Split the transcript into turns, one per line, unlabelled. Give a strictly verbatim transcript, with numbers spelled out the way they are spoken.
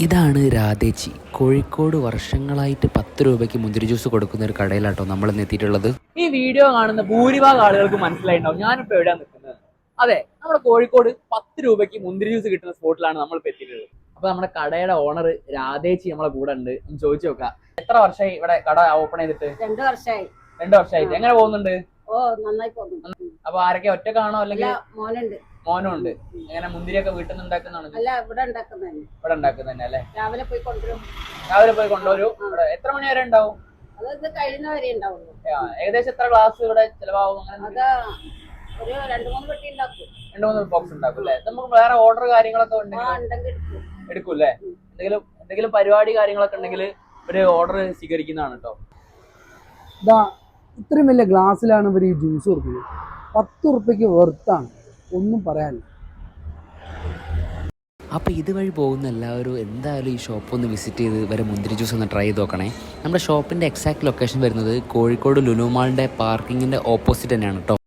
ഇതാണ് രാധേച്ചി. കോഴിക്കോട് വർഷങ്ങളായിട്ട് പത്ത് രൂപയ്ക്ക് മുന്തിരി ജ്യൂസ് കൊടുക്കുന്ന ഒരു കടയിലാട്ടോ നമ്മൾ ഇന്ന് എത്തിയിട്ടുള്ളത്.
ഈ വീഡിയോ കാണുന്ന ഭൂരിഭാഗം ആളുകൾക്ക് മനസ്സിലായിട്ടുണ്ടാവും ഞാനിപ്പോ എവിടെയാണ് നിൽക്കുന്നത്. അതെ, നമ്മുടെ കോഴിക്കോട് പത്ത് രൂപയ്ക്ക് മുന്തിരി ജ്യൂസ് കിട്ടുന്ന സ്പോട്ടിലാണ് നമ്മൾ ഇപ്പൊ എത്തിയിട്ടുള്ളത്. അപ്പൊ നമ്മുടെ കടയുടെ ഓണർ രാധേച്ചി നമ്മളെ കൂടെ ഉണ്ട്. ചോദിച്ചു നോക്കാം, എത്ര വർഷമായി ഇവിടെ കട ഓപ്പൺ ചെയ്തിട്ട്?
രണ്ടു വർഷമായി.
രണ്ടു വർഷമായിട്ട്. എങ്ങനെ പോകുന്നുണ്ട്?
ഓ, നന്നായി പോകുന്നു.
അപ്പൊ ആരൊക്കെ ഒറ്റക്കാണോ അല്ലെങ്കിൽ
മോനുണ്ട്?
മോനും ഉണ്ട്. എങ്ങനെ മുന്തിരിയൊക്കെ വീട്ടിൽ നിന്ന് ഉണ്ടാക്കുന്നതാണ്?
അല്ല, ഇവിടെ ഉണ്ടാക്കുന്നതന്നെ.
ഇവിടെ ഉണ്ടാക്കുന്നതന്നെ അല്ലേ?
രാവിലെ പോയി കൊണ്ടുവരും.
രാവിലെ പോയി കൊണ്ടുവരും. ഇവിടെ എത്ര മണി വരെ ഉണ്ടാവും?
അത് ഇത് കഴിയുന്ന വരെ ഉണ്ടാവുള്ളൂ.
ഏകദേശം എത്ര ഗ്ലാസ് ഇവിടെ ചിലവാകും?
അത് ഒരു രണ്ടു മൂന്ന് പെട്ടി ഉണ്ടാക്കും.
രണ്ടു മൂന്ന് ബോക്സ് ഉണ്ടാക്കും അല്ലേ? നമുക്ക് വേറെ ഓർഡർ കാര്യങ്ങളൊക്കെ
ഉണ്ടെങ്കിൽ
എടുക്കും അല്ലേ? എന്തെങ്കിലും എന്തെങ്കിലും പരിപാടി കാര്യങ്ങളൊക്കെ ഉണ്ടെങ്കിൽ ഒരു ഓർഡർ സ്വീകരിക്കുന്നതാണ് കേട്ടോ.
ഇതാ ഇത്രയും വലിയ ഗ്ലാസ്സിലാണ് ഇവർ ഈ ജ്യൂസ് കൊടുക്കുന്നത്. പത്ത് ഉറുപ്പ്യക്ക് വെർത്താണ്, ഒന്നും പറയാനില്ല.
അപ്പോൾ ഇതുവഴി പോകുന്ന എല്ലാവരും എന്തായാലും ഈ ഷോപ്പ് ഒന്ന് വിസിറ്റ് ചെയ്ത് ഇവരെ മുന്തിരി ജ്യൂസ് ഒന്ന് ട്രൈ ചെയ്ത് നോക്കണേ. നമ്മുടെ ഷോപ്പിൻ്റെ എക്സാക്ട് ലൊക്കേഷൻ വരുന്നത് കോഴിക്കോട് ലുലു മാളിൻ്റെ പാർക്കിങ്ങിൻ്റെ ഓപ്പോസിറ്റ് തന്നെയാണ് കേട്ടോ.